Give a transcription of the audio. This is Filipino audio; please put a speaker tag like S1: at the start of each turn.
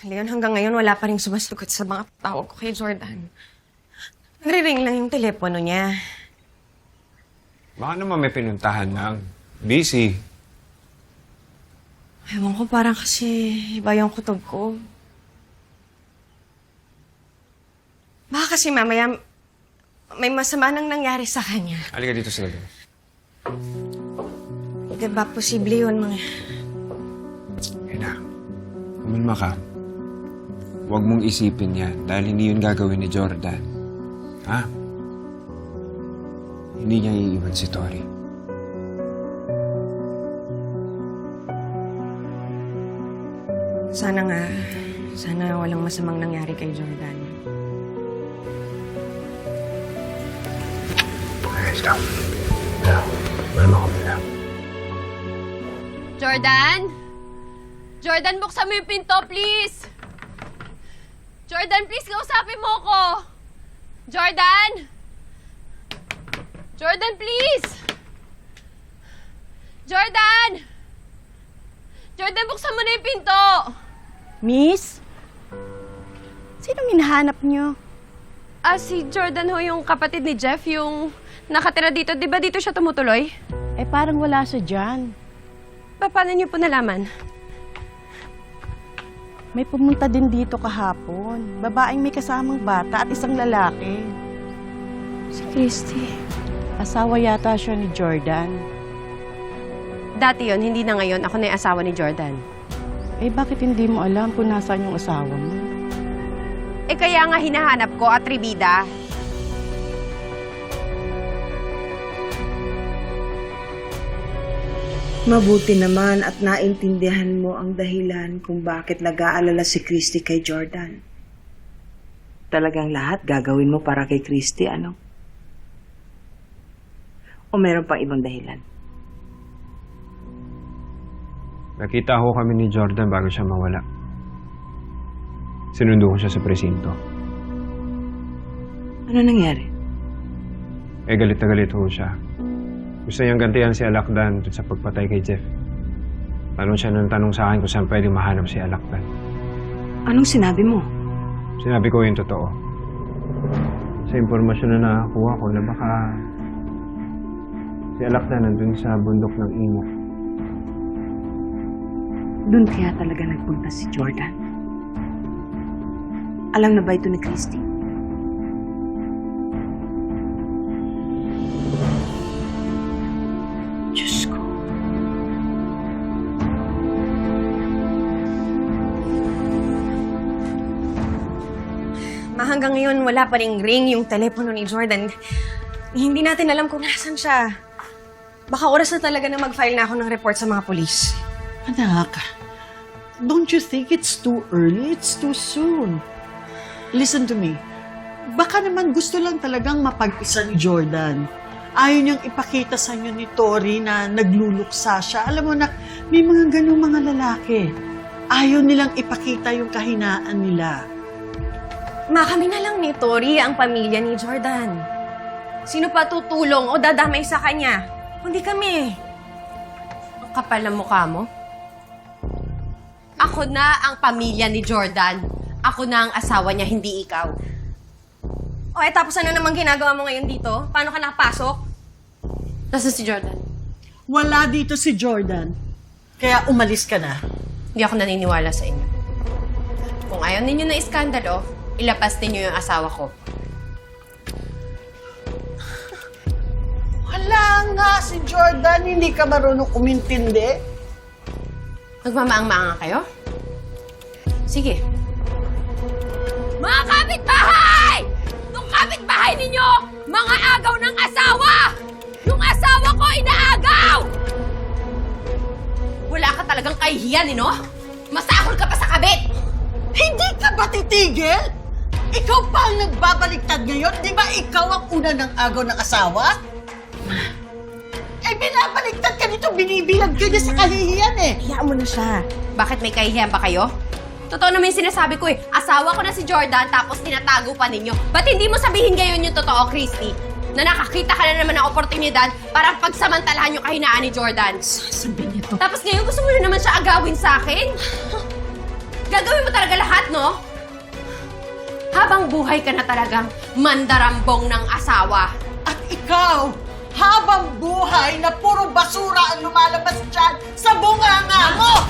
S1: Leon, hanggang ngayon wala pa rin sumasagot sa mga tawag ko kay Jordan. Nagre-ring lang yung telepono niya.
S2: Baka naman may pinuntahan lang. Busy.
S1: Ewan ko, parang kasi iba yung kutob ko. Baka kasi mamaya may masama nang nangyari sa kanya.
S2: Halika dito sa gabi.
S1: Diba, posible yun, mga...
S2: Ina, kumalma ka. Huwag mong isipin yan dahil hindi yun gagawin ni Jordan. Ha? Hindi niya iiwan si Tori.
S1: Sana walang masamang nangyari kay Jordan.
S2: Okay, stop. Ina, kumalma ka muna.
S3: Jordan? Jordan, buksan mo yung pinto, please! Jordan, please, kausapin mo ko! Jordan! Jordan, please! Jordan! Jordan, buksan mo na yung pinto!
S4: Miss? Sinong hinahanap niyo?
S3: Si Jordan ho, yung kapatid ni Jeff, yung nakatira dito. Di ba dito siya tumutuloy?
S4: Eh, parang wala siya dyan.
S3: Paano niyo po nalaman?
S4: May pumunta din dito kahapon. Babaeng may kasamang bata at isang lalaki.
S3: Si Christy.
S4: Asawa yata siya ni Jordan.
S3: Dati yon, hindi na ngayon. Ako na yung asawa ni Jordan.
S4: Eh, bakit hindi mo alam kung nasaan yung asawa mo?
S3: Eh, kaya nga hinahanap ko, atribida.
S5: Mabuti naman at naintindihan mo ang dahilan kung bakit nag-aalala si Christy kay Jordan. Talagang lahat gagawin mo para kay Christy, ano? O meron pang ibang dahilan?
S2: Nakita ho kami ni Jordan bago siya mawala. Sinundo ko siya sa presinto.
S5: Ano nangyari?
S2: Eh, galit na galit ho siya. Gusto niyang gantihan si Alakdan sa pagpatay kay Jeff. Tanong siya ng tanong sa akin kung saan pwede mahanap si Alakdan.
S5: Anong sinabi mo?
S2: Sinabi ko yung totoo. Sa impormasyon na nakakuha ko na baka si Alakdan nandun sa bundok ng Imo.
S5: Doon kaya talaga nagpunta si Jordan? Alam na ba ito ni Christy? Diyos ko.
S1: Hanggang ngayon, wala pa ring ring yung telepono ni Jordan. Hindi natin alam kung nasan siya. Baka oras na talaga na mag-file na ako ng report sa mga polis.
S6: Anak, don't you think it's too early? It's too soon. Listen to me. Baka naman gusto lang talagang mapag-isa ni Jordan. Ayaw niyang ipakita sa inyo ni Tori na nagluluksa siya. Alam mo na, may mga ganung mga lalaki. Ayaw nilang ipakita yung kahinaan nila.
S1: Kami na lang ni Tori ang pamilya ni Jordan. Sino pa tutulong o dadamay sa kanya? Kundi kami.
S3: Ang kapal ng mukha mo. Ako na ang pamilya ni Jordan. Ako na ang asawa niya, hindi ikaw.
S1: O tapos ano namang ginagawa mo ngayon dito? Paano ka nakapasok?
S3: Nasaan si Jordan?
S6: Wala dito si Jordan. Kaya umalis ka na.
S3: Hindi ako naniniwala sa inyo. Kung ayaw ninyo na iskandalo, ilapas ninyo yung asawa ko.
S6: Wala nga si Jordan. Hindi ka marunong umintindi.
S3: Nagmamaang-maanga kayo? Sige. Mga kapitbahay! Itong kapitbahay ninyo, mga agaw ng asawa! Yung asawa ko inaagaw! Wala ka talagang kahihiyan, no? Masahol ka pa sa kabit!
S6: Hindi ka ba titigil? Ikaw pa ang nagbabaliktad ngayon? Di ba ikaw ang una ng agaw ng asawa? Eh, binabaliktad ka nito, binibilag ka niya sa kahihiyan eh.
S1: Hayaan mo na siya.
S3: Bakit may kahihiyan pa kayo? Totoo naman yung sinasabi ko eh. Asawa ko na si Jordan tapos tinatago pa ninyo. Ba't hindi mo sabihin ngayon yung totoo, Christy? Na nakakita ka na naman ng oportunidad para pagsamantalahan yung kahinaan ni Jordan.
S6: Sasabihin niya to.
S3: Tapos ngayon gusto mo na naman siya agawin sa akin? Gagawin mo talaga lahat, no? Habang buhay ka na talagang mandarambong ng asawa.
S6: At ikaw, habang buhay na puro basura ang lumalabas dyan sa bunganga mo!